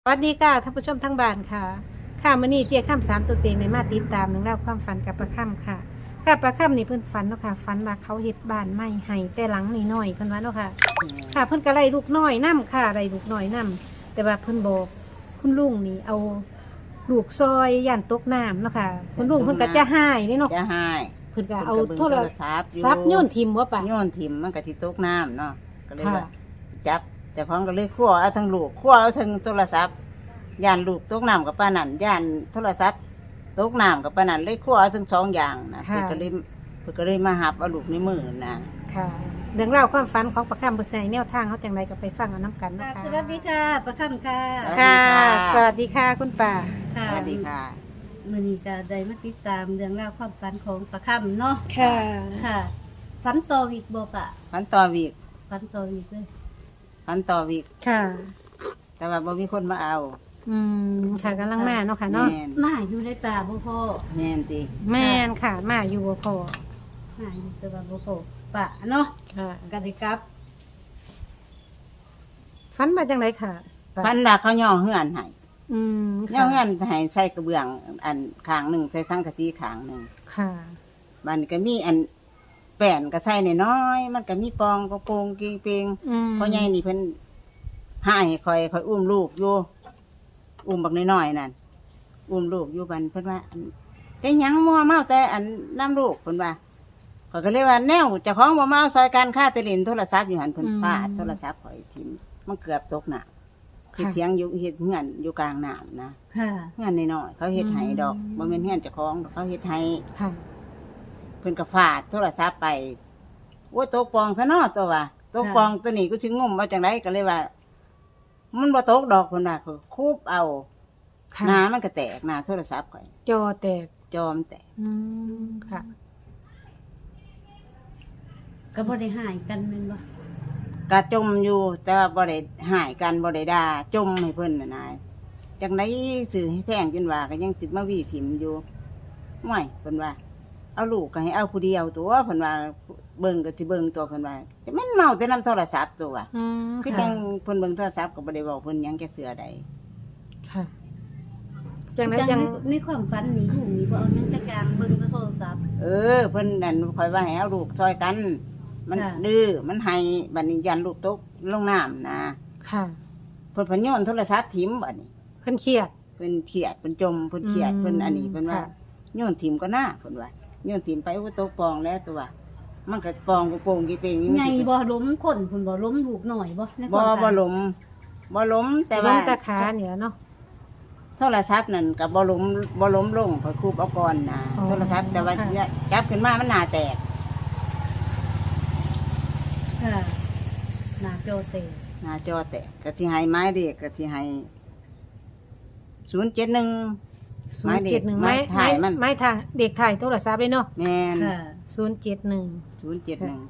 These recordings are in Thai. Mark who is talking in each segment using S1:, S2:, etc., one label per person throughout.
S1: วัสดีค่ะท่านผู้ชมทั้งบ้านค่ะค่ะมื้อนี้เจี๊ยข้ามสามตัวเต็งในมาติดตามเรื่องราวความฝันกับประค่ำค่ะค่ะประค่ำนี่เพิ่นฝันเนาะค่ะฝันว่าเขาเฮ็ดบ้านไม้ให้แต่หลังน้อยๆเพิ่นว่าเนาะค่ะค่ะเพิ่นก็ไล่ลูกน้อยนํค่ะไล่ลูกน้อยนํแต่ว่าเพิ่นบอกคุณลุงนี่เอาลูกซอยย่านตกน้ำเนาะค่ะคุณลุงเพิ่นก็จะหายนี่เนาะ
S2: จะให้
S1: เพิ่นก็เอาโทร
S2: ศัพท์
S1: ศัพท์โยนทิ่มบ่ปะ
S2: โยนทิ่มมันก็สิตกน้ำเนาะก็เลย
S1: ค่ะ
S2: ว่าจับแต่ของก็เลยคั่วเอาทั้งลูกคั่วเอาทั้งโทรศัพท์ย่านลูกตกน้ำกับป้านั่นย่านโทรศัพท์ตกน้ำกับป้านั่นเลยคั่วเอาทั้งสองอย่างนะเพิ่นก็เลยมาหับเอาลูกในมือนะ
S1: ค่ะเรื่องราวความฝันของประค่ำเพิ่นใส่แนวทางเขาจังไดก็ไปฟังเอานํกัน
S3: ค่ะ
S1: เนาะค่ะ
S3: สวัสดีค่ะประคำค่ะ
S1: ค่ะ สวัสดีค่ะคุณป่า
S3: ค่ะ
S2: สวัสดีค่ะ
S3: มื้อนี้ก็ได้มาติดตามเรื่องราวความฝันของประคำเนาะ
S1: ค่ะ
S3: ค่ะฝันต่อวิกบ่ปะ
S2: พันต่อวีก
S3: ฝันต่อวิกเลย
S2: พันต่อวีก
S1: ค่ะ
S2: แต่ว่าบ่มีคนมาเอา
S1: อืมค่ะกำลังมาเนาะค่ะเนาะ
S2: แม่น
S3: มาอยู่ในป่าบ่พอ
S2: แม่นติ
S1: แม่นค่ะ มาอยู่บ่พอ
S3: มาอยู่แต่ว่าบ่พอป่าเนาะ
S1: ค่ะ
S3: ก็ได้กลับ
S1: ฝันมาจังไดค่ะป่า
S2: พันว่าเขาย่อเฮือนให้
S1: อืม
S2: ย่อ
S1: ค่ะ
S2: เฮือนให้ใส่กระเบื้องอันข้างหนึงใส่สังกะสีข้างหนึง
S1: ค่ะ
S2: มันก็มีอันแป้นก็ใส่น้อยๆมันก็มีปองกระโปรงกีเปง
S1: อืม
S2: พ่อใหญ่นี่เพิ่นให้คอยอุ้มลูกอยู่อุ้มบักน้อยๆนั่นอุ้มลูกอยู่บันเพิ่นว่าอันแต่หยังมัวเมาแต่อันน้ำลูกเพิ่นว่าข้อยก็เลยว่าแนวเจ้าของบ่มาเอาซอยการค่าแตลินโทรศัพท์อยู่หันเพิ่นฟาดโทรศัพท์ข่อยทิ่มมันเกือบตกน่ะเฮ็ดเถียงอยู่เฮ็ดเฮือนอยู่กลางน้ำนะ
S3: ค่ะ
S2: เฮือนน้อยๆเขาเฮ็ดให้ดอกบ่แม่นเฮือนเจ้าของดอกเขาเฮ็ดให้
S1: ค่ะ
S2: เพิ่นก็ฟาดโทรศัพท์ไปโอ้ยตกปองซะเนาะตัวว่าตกปองตัวนี้ก็สิงมว่าจังไดก็เลยว่า มันบ่ตกดอกเพิ่นว่าคือคูบเอา
S1: ค่ะ
S2: หน้ามันก็แตกหน้าโทรศัพท์ข่อย
S1: จอแตก
S2: จอมแตก
S1: อืมค่ะ
S3: ก็บ่ได้หายกันแม่นบ่
S2: กะจมอยู่แต่ว่าบ่ได้หายกันบ่ได้ด่าจมให้เพิ่นน่ะนายจังไดซื้อให้แพงจนว่าก็ยังสิมาวีถิ่มอยู่ห่วยเพิ่นว่า เอาลูกก็ให้เอาผู้เดียวตัวเพิ่นว่าเบิ่งก็สิเบิ่งตัวเพิ่นว่าแต่มันเมาแต่นำโทรศัพท์ตัวว่า
S1: อืม
S2: คือ
S1: ค่ะ
S2: จังเพิ่นเบิ่งโทรศัพท์ก็บ่ได้บอกเพิ่นหยังจักเทื่อใด
S1: ค่ะ จังได
S3: จั
S1: จั
S3: ง
S1: ง
S3: ในความฝันนี่อยู่นี่บ่เอาหยังแต่กลางเบิ่งแต่โทรศัพท์
S2: เพิ่นนั่นคอยว่าให้เอาลูกซอยกัน มัน
S3: ค่ะ
S2: ดื้อมันให้บัดนี้ยันลูกตกลงน้ำนะ
S1: ค่ะ
S2: เพิ่นพโยนโทรศัพท์ถิ่มบัดนี้
S1: เพิ่นเครียด
S2: เพิ่นเครียดเพิ่นจมเพิ่นเครียด
S1: อืม
S2: เพิ่นอันนี้เพิ่นว่า
S1: ค่ะ
S2: โยนถิ่มก็น่าเพิ่นว่าโยนถิ่มไปโอ้ตกปองแล้วตัวมันก็ปองกระโปรงกี่เปงอยู่
S3: ใหญ่บ่ล้มคนเพิ่นบ่ล้มลูกหน่อยบ่ในค
S2: บ่
S3: วามฝัน
S2: บ่ล้มบ่ล้มแต่
S1: ล
S2: ว่าง
S1: ตะขาเนี่ยเนาะ
S2: โทรศัพท์นั่นก็บ่ล้มลงเพราะคูบเอาก่อนนะ
S1: อ๋อ
S2: โทรศัพท์แต่ว่า
S1: ค่ะ
S2: จับขึ้นมามันหน้าแตก
S3: ค่ะหน้าจอเตะ
S2: หน้าจอแตกก็สิให้ไม้เด็กก็สิให้071
S1: 071
S2: ไม้ถ่ายมัน
S1: ไม้ถ่ายเด็กถ่ายโทรศัพท์เลยเนาะ
S2: แม่น
S3: ค่ะ
S1: 071
S2: 071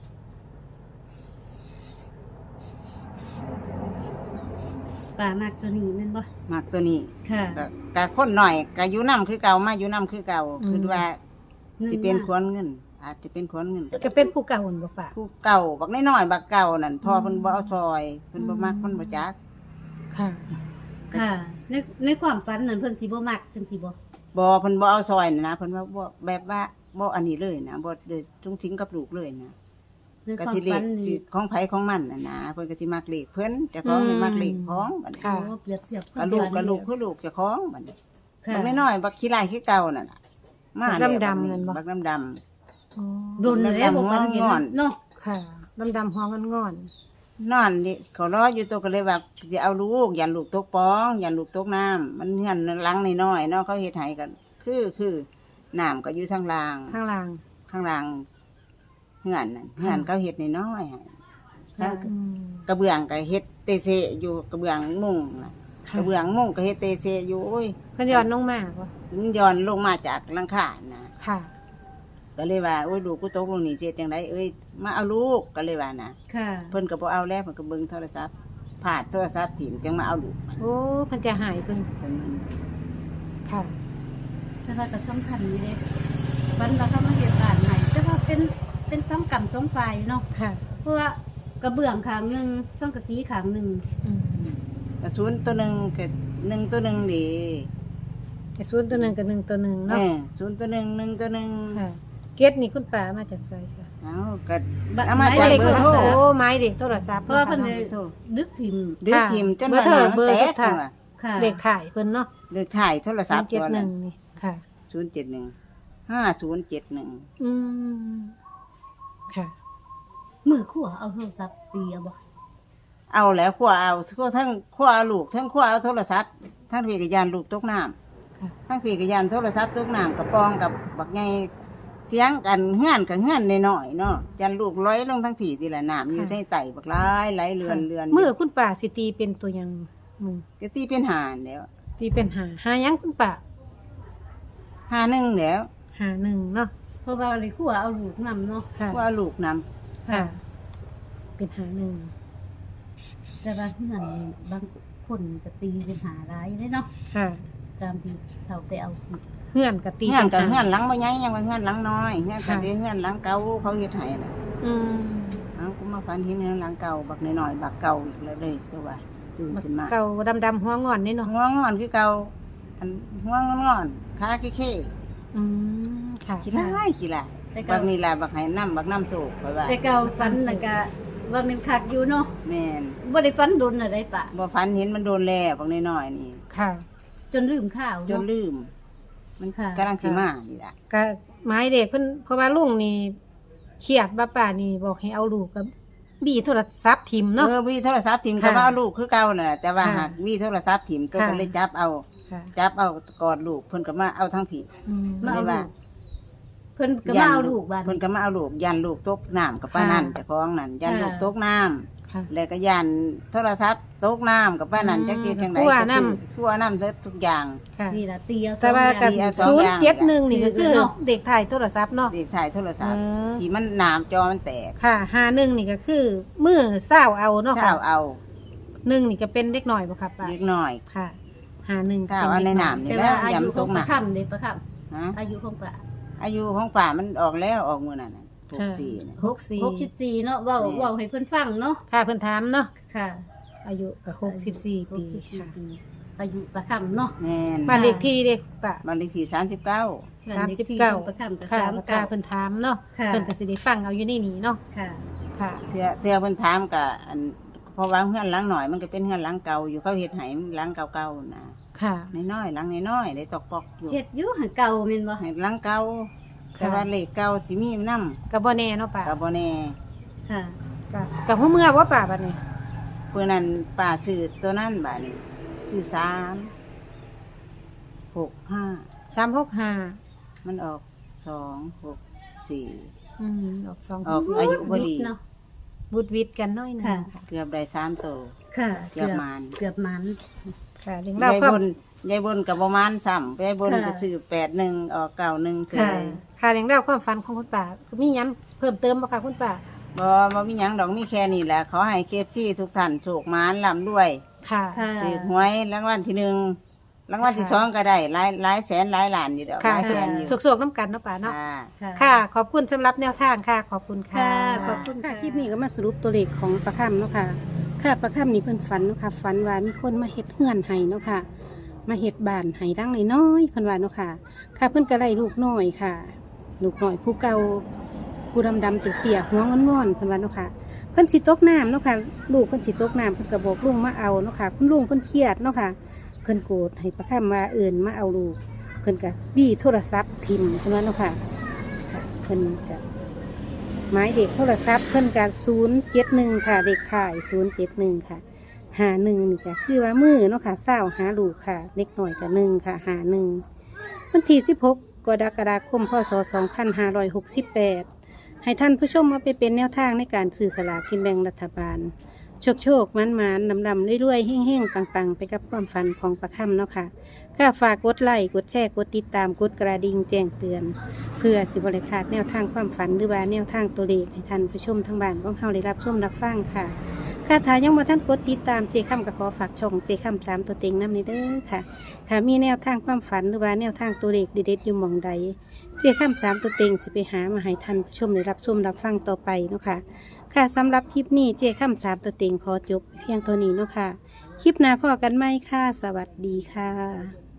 S3: ป่ามากตัวนี้แม่นบ่
S2: มักตัวนี้
S3: ค่ะ
S2: ก็คนหน่อยก็อยู่น้ำคือเก่ามาอยู่น้ำคือเก่าคือว่าสิเป็นขวนเงิน อาจจะเป็นขวนเงิน
S1: จะเป็นผู้เก่าหั่นบ่ป่า
S2: ผู้เก่าบักน้อยๆบักเก่านั่นพอเพิ่นบ่เอาซอยเพิ่นบ่มักเพิ่นบ่จัก
S1: ค่ะ
S3: ค่ะในความฝันนั่นเพิ่นสิบ่มักจังสิบ่
S2: บ่เพิ่นบ่เอาซอยน่ะนะเพิ่นว่าบ่แบบว่าบ่อันนี้เลยนะบ่ได้จุงทิ้งกับลูกเลยนะ
S3: ใน
S2: ก็
S3: ความ
S2: สิเล
S3: ฝั
S2: ข
S3: น
S2: สิ
S3: นี่
S2: ของไผของมันน่ะนะเพิ่นก็สิมักเลขเพิ่นเจ้าของนี่มักเลขของบัดนี้
S1: ค่ะ
S3: โอ้เปรียบเทียบ
S2: ก็ลูกก็ลูกคือลูกเจ้าของบัดนี้
S3: ค่ะ
S2: บักน้อยๆบักขี้ลายคือเก่านั่นน่ะมาแล้ว
S1: บักดำๆนั่นบ่
S2: บักดำ
S1: อ๋อ
S3: โดนเลยบ่ฝันเห็น
S2: งอน
S3: เนาะ
S1: ค่ะดำๆหัวงอน
S2: นอนนี่เขารออยู่ตัวก็เลยว่าจะเอาลูกอย่าลูกตกปองอย่าลูกตกน้ำมันเหือนหลังน้อยๆเนาะเขาเฮ็ดให้กันคือน้ำก็อยู่ทางล่าง
S1: ๆข้างล่าง
S2: ข้างล่างเหือนนั่นเหือนเขาเฮ็ดน้อยๆให้
S3: ค่ะ
S1: อืม
S2: กระเบื้องก็เฮ็ดเตเซอยู่กระเบื้องมุงน่ะ
S1: ค่ะ
S2: กระเบื้องมุงก็เฮ็ดเตเซอยู่โอ้ย
S1: เพิ่นย้อนลงมาบ่
S2: มันย้อนลงมาจากหลังคานะ
S1: ค่ะ
S2: ก็เลยว่าโอ้ยลูกกูตกลงนี่เจ็ดจังไดเอ้ยมาเอาลูกก็เลยว่านะ
S3: ค่ะ
S2: เพิ่นก็บ่เอาแล้วเพิ่นก็เบิ่งโทรศัพท์ผาดโทรศัพท์ถิ่มจังมาเอาลูก
S1: โอ้เพิ่นจะหายเพิ่น
S2: เพิ่น
S1: ค่ะ
S3: แต่ว่าก็สำคัญอยู่เด้ฝันว่าเขามาเฮ็ดบ้านให้แต่ว่าเป็นสองกรรมสองฝ่ายเนาะ
S1: ค่ะ
S3: เพราะว่ากระเบื้องข้างหนึงสังกะสีข้างหนึง
S1: อืม
S2: กระสุนตัวหนึ่งกับหนึ่งตัวหนึ่งดี
S1: กระสุนตัวหนึ่งกับหนึ่งตัวหนึ่งเนาะ
S2: ศูนย์ตัวหนึ่งหนึ่งตัวหนึ่ง
S1: ค่ะเกตนี่คุณป่ามาจากไสค่ะ
S2: เอาก็
S3: บัตร
S2: เอามา
S3: ห
S2: จาก
S3: ยเลข
S2: เบอร์โทร
S3: โทรศัพท์
S1: โอ้ไม้เด็กโทรศัพท์
S3: เพราะว่าเพิ่น
S1: เนาะ
S3: ได้
S2: โทร
S3: ดึกถิ่ม
S2: ดื้อทิมจน
S1: เบอร์เถอะ
S2: ห
S1: เบอร์
S2: แต
S1: สุ
S2: ก
S1: ดท้าย
S2: ว่ะ
S3: ค่ะ
S1: เด็กถ่ายเพิ่นเนาะ
S2: เด็กถ่ายโทรศัพท์
S1: เจ็ด
S2: ตัว
S1: ห
S2: นั้
S1: นึ่
S2: น
S1: งนี่ค่ะ
S2: 071 5071
S1: อืมค่ะ
S3: มือขั่วเอาโทรศัพท์ตีเอาบ่
S2: เอาแล้วขั้วเอาทั้งขั้วเอาลูกทั้งขั้วเอาโทรศัพท์ทั้งพี่กับยานลูกตกน้
S1: ค่ะ
S2: ำทั้งพี่กับยานโทรศัพท์ตกน้ำกับปองกับบักไงเสียงกันเฮือนกับเฮือนน้อยๆเนาะยันลูกร้อยลงทั้งผีทีละน้ำอยู่ในไตบักร้ายไหลเรือนเรือน
S1: มือคุณป่าสิตีเป็นตัวหยังมือ
S2: ก็ตีเป็นหานแล้ว
S1: ตีเป็นหาหยังคุณป่า
S2: หาหนึ่งแล้ว
S1: หาหนึ่งเนาะ
S3: เพราะว่าเลยขั่วเอาลูกนำเนาะ
S1: ค่ะ
S2: ว่าลูกน
S1: ค่ะ เป็นหาหนึ่ง
S3: แต่ว่าเงินบางคนก็ตีเป็นหาร้ายได้เนาะ
S1: ค่ะ
S3: ตามที่เขาไปเอาที่
S1: เฮือนกับ
S2: ำ
S1: ตี
S2: เฮือนกับ
S1: ป็
S2: เฮือนหลังบ่ใหญ่ยังว่าเฮือนหลังน้อยเฮือนกับเฮือนหลังเก่าเขาเฮ็ดให้น่ะ
S1: อืม
S2: เอากูมาฝันเห็นเฮือนหลังเก่าบักน้อยๆบักเก่าอีกแล้วเลยตัวว่าตื่นขึ้นมา
S1: เก่าดำๆหัวงอนนี่เนาะ
S2: หัวงอนคือเก่าอันหัวงอนขาเข้
S1: อืมค่ะ
S2: ๆขี้ร้ายขี้ร้าย
S3: แต่
S2: บั
S3: เก่าก
S2: นี่ล่ะบักให้น้ำบักน้ำโศกไปว่า
S3: แต่เก่าฝันน่ะก็ว่ามันคักอยู่เนาะ
S2: แม่น
S3: บ่ได้ฝันโดนอะไรปะ
S2: บ่ฝันเห็นมันโดนแล้วบักน้อยๆนี่
S1: ค่ะ
S3: จนลืมข้าว
S2: จน
S3: เนาะ
S2: ลืม มัน
S3: ค่ะ
S2: กำลังสิมานี่ล่ะ
S1: ก็ไม้เด็กเพิ่นเพราะว่าลุงนี่เครียดบ้าป่านี่บอกให้เอาลูกกับบี้โทรศัพท์ทิมเนาะ
S2: มีโทรศัพท์ถิ่ม
S1: ค่ะ
S2: ก็ว่าเอาลูกคือเก่าน่ะแต่ว่า
S1: ค่ะ
S2: หากมีโทรศัพท์ถิ่มตัว
S1: ค่ะ
S2: ก็เลยจับเอา
S1: ค่ะ
S2: จับเอากอดลูกเพิ่นก็มาเอาทั้งผี
S1: อืม
S3: มาเอา
S2: ไม่
S3: ลู
S2: ว่า
S3: กเพิ่นก็มาเอาลูกบ้าน
S2: เพิ่นก็มาเอาลูกยันลูกตกน้ำกับป้านั่น
S1: ค่ะ
S2: เจ้าของนั่นยัน
S3: ค่ะ
S2: ลูกตกน้ำ
S1: ค่ะ
S2: แล้วก็ยันโทรศัพท์ตกน้ำกับป้านั่น
S1: อืม
S2: จักกินจังได
S1: คั่ว
S2: ก็
S1: น้ำ
S2: คือคั่วน้ำเด้อทุกอย่าง
S1: ค่ะ
S3: นี่ล่ะตีเอา
S1: แต่ว่า
S3: ส
S1: กั
S3: อง
S1: บ
S3: อย่าง
S2: สอง
S1: ศูน
S2: อ
S1: ย์
S2: ย่าง
S1: เจ็ดหนึ่งนี่ก็คือ
S3: เนาะ
S1: เด็กถ่ายโทรศัพท์เนาะ
S2: เด็กถ่ายโทรศัพท์
S1: เออ
S2: ที่มันหนามจอมันแตก
S1: ค่ะหาหนึ่งนี่ก็คือมือเศร้าเอาเนาะ
S2: ข้า
S1: ค่ะ
S2: วเอา
S1: หนึ่งนี่ก็เป็นเด็กหน่อยบ่ค่ะป้า
S2: เล็กน้อย
S1: ค่ะหาหนึ่ง
S2: ข้าวเอาในน้ำนี่
S3: แต่
S2: แหล้
S3: ว่าว อายุ
S2: ยำ
S3: ข
S2: ต
S3: อง
S2: ก
S3: ประ
S2: น้ำ
S3: คำเด้ประค
S2: ฮะ
S3: ำอายุของประ
S2: อายุของป่ามันออกแล้วออกมื้อนั้นน่ะ64น่ะ
S3: 64เนาะเว้า
S2: แม่
S3: เว้าให้เพิ่นฟังเนาะ
S1: ค่ะเพิ่นถามเนาะ
S3: ค่ะ
S1: อายุก็64 ปีค่ะ
S3: 64ปีอายุประคำเนาะ
S2: แม่น
S1: บ้านเลขที่เด็กป้า
S2: บ้านเลขที่39
S1: 39
S3: ประคำกับ
S1: ค่ะ
S3: 39
S1: เพิ่นถามเนาะ
S3: ค่ะ
S1: เพิ่นก็สิได้ฟังเอาอยู่ในนี้เนาะ
S3: ค่ะ
S1: ค่ะ
S2: เทื่อเพิ่นถามก็อันเพราะว่าเฮือนหลังหน่อยมันก็เป็นเฮือนหลังเก่าอยู่เขาเฮ็ดให้มันหลังเก่าๆนะ
S1: ค่ะ
S2: น้อยๆหลังน้อยๆได้ตอกปอกอยู่
S3: เฮ็ดอยู่หันเก่าแม่นบ่
S2: ให้หลังเก่าแต่ว่าเลขเก่าสิมีนำ
S1: ก็บ่แน่เนาะป้า
S2: ก็บ่แน่
S3: ค่ะ
S1: ก็หัวเมื่อว่าป่าบัดนี้
S2: เพื่อนั้นป้าซื้อตัวนั้นบาดนี้ซื้อ365
S1: 365
S2: มันออก264
S1: ออกสอง
S2: ออกอายุบ่ดี
S3: เนาะ
S1: บุดวิดกันน้อยหนึง
S3: ค่ะ
S1: ค่ะ
S2: เกือบได้3โตว
S3: ค่ะ
S2: เกือบมาน
S3: เกือบมัน
S1: ค่ะเรื่องเล่าย
S2: าย
S1: ความ
S2: บนยายบนกับประมาณซ้ำยายบน
S3: ค่ะ
S2: ก็ซื้อ81ออก91
S1: ค่ะ ค่ะเรื่องเล่าวความฝันของคุณป่ามีหยังเพิ่มเติมบ่คะคุณป่า
S2: บ่มีหยังดอกมีแค่นี้แหละขอให้เคสที่ทุกท่านโชคหมานร่ำรวย
S1: ค่ะ
S3: ค่ะ
S2: ถือหวยรางวัลที่1รางวัลที่
S1: ค่ะ
S2: 2ก็ได้หลายแสนหลายล้านอยู่ดอกห
S1: ค่ะ
S2: ลายแสนอยู่
S1: สกๆน้ำกันเนาะป่าเนาะ
S2: ค่ะ
S1: ค่ะ ขอบคุณสำหรับแนวทางค่ะ ขอบคุณค่ะ
S3: ค่ะขอบคุณค่ะ
S1: คลิปนี้ก็มาสรุปตัวเลขของประคำเนาะค่ะ ค่ะประคำนี่เพิ่นฝันเนาะค่ะฝันว่ามีคนมาเฮ็ดเฮือนให้เนาะค่ะ มาเฮ็ดบ้านให้ดังน้อยๆเพิ่นว่าเนาะค่ะ ค่ะเพิ่นก็ไล่ลูกน้อยค่ะ ลูกน้อยผู้เก่าผู้ดำๆเตี้ยๆหัวงอนๆเพิ่นว่าเนาะค่ะ เพิ่นสิตกน้ำเนาะค่ะ ลูกเพิ่นสิตกน้ำเพิ่นก็บอกลุงมาเอาเนาะค่ะ คุณลุงเพิ่นเครียดเนาะค่ะ เพิ่นโกรธให้ประคำว่าเอิ้นมาเอาลูก เพิ่นก็บี้โทรศัพท์ทิ่มเพิ่นว่าเนาะค่ะค่ะเพิ่นก็หมายเด็กโทรศัพท์เพิ่นก็071ค่ะเด็กถ่าย071ค่ะ51นี่ก็คือว่ามือเนาะค่ะเศร้าหาลูกค่ะเล็กน้อยก็1ค่ะ51วันที่16กรกฎาคมพศ2568ให้ท่านผู้ชมมาไปเป็นแนวทางในการซื้อสลากกินแบ่งรัฐบาล โชคมันดำๆรวยๆเฮ่งๆปังๆไปกับความฝันของประคำเนาะค่ะก็ฝากกดไลค์กดแชร์กดติดตามกดกระดิ่งแจ้งเตือน เพื่อสิบริพลาดแนวทางความฝันหรือว่าแนวทางตัวเลขให้ท่านผู้ชมทั้งบ้านของเฮาได้รับชมรับฟังค่ะค่ะถ้ายังบ่ท่านกดติดตามเจค่ำก็ขอฝากช่องเจค่ำ3ตัวเต็งนำนี้เด้อค่ะค่ะมีแนวทางความฝันหรือว่าแนวทางตัวเลขเด็ดๆอยู่หม่องใดเจค่ำ3ตัวเต็งสิไปหามาให้ท่านผู้ชมได้รับชมรับฟังต่อไปเนาะค่ะค่ะสำหรับคลิปนี้เจค่ำ3ตัวเต็งขอจบเพียงเท่านี้เนาะค่ะคลิปหน้าพอกันไหมค่ะ สวัสดีค่ะ